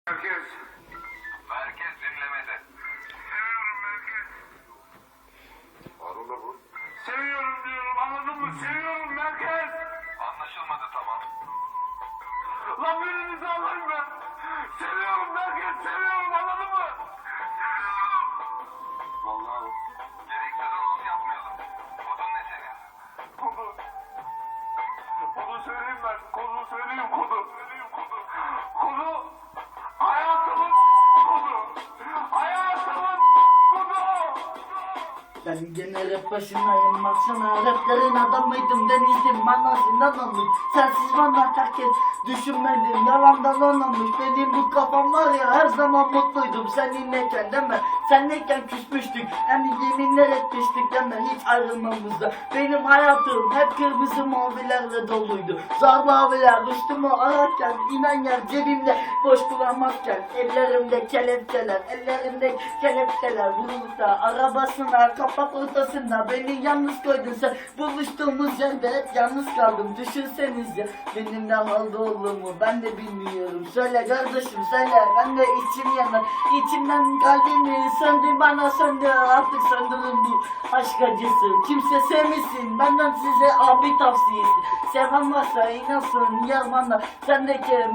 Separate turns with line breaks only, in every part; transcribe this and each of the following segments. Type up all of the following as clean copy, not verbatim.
Merkez.
Merkez dinlemede.
Seviyorum merkez.
Arula bu.
Seviyorum diyorum, anladın mı? Seviyorum merkez.
Anlaşılmadı, tamam.
Lan birinizi alayım ben. Seviyorum merkez, seviyorum, anladın mı? Seviyorum.
Vallahi gereksiz anons yapmayalım. Kodun ne senin?
Kodu. Kodu söyleyeyim ben. Kodu söyleyeyim, kodu. Kodu. Hayatımın kodu. Hayatımın kodu.
Ben gene rap başındayım, baksana raplerin adamıydım, denizdim bana zindan olmuş. Sensiz bana herkes düşünmedim, yalandan olmamış. Benim bu kafam var ya, her zaman mutluydum seninleyken deme. Senleyken küsmüştük, yani yeminler etmiştik deme, hiç ayrılmamızda. Benim hayatım hep kırmızı mavilerle doluydu. Zar maviler üstümü ararken, inen yer cebimde boş bulamazken. Ellerimde kelepçeler, ellerimde kelepçeler. Bulutta arabasına, kapak ortasında beni yalnız koydun sen. Buluştuğumuz yerde hep yalnız kaldım. Düşünsenize benim ne halde olduğumu ben de bilmiyorum. Söyle kardeşim söyle, ben de içim yanar. İçimden kalbimi söndür, bana söndür. Artık söndürün bu aşk acısı. Kimse sevmesin, benden size abi tavsiyesi. Seven varsa inansın yar bana. Sendeki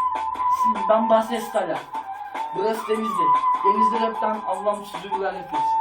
ben Bahses Kala. Burası Denizli. Denizli rapten Allah'ım sizi güvenlik etsin.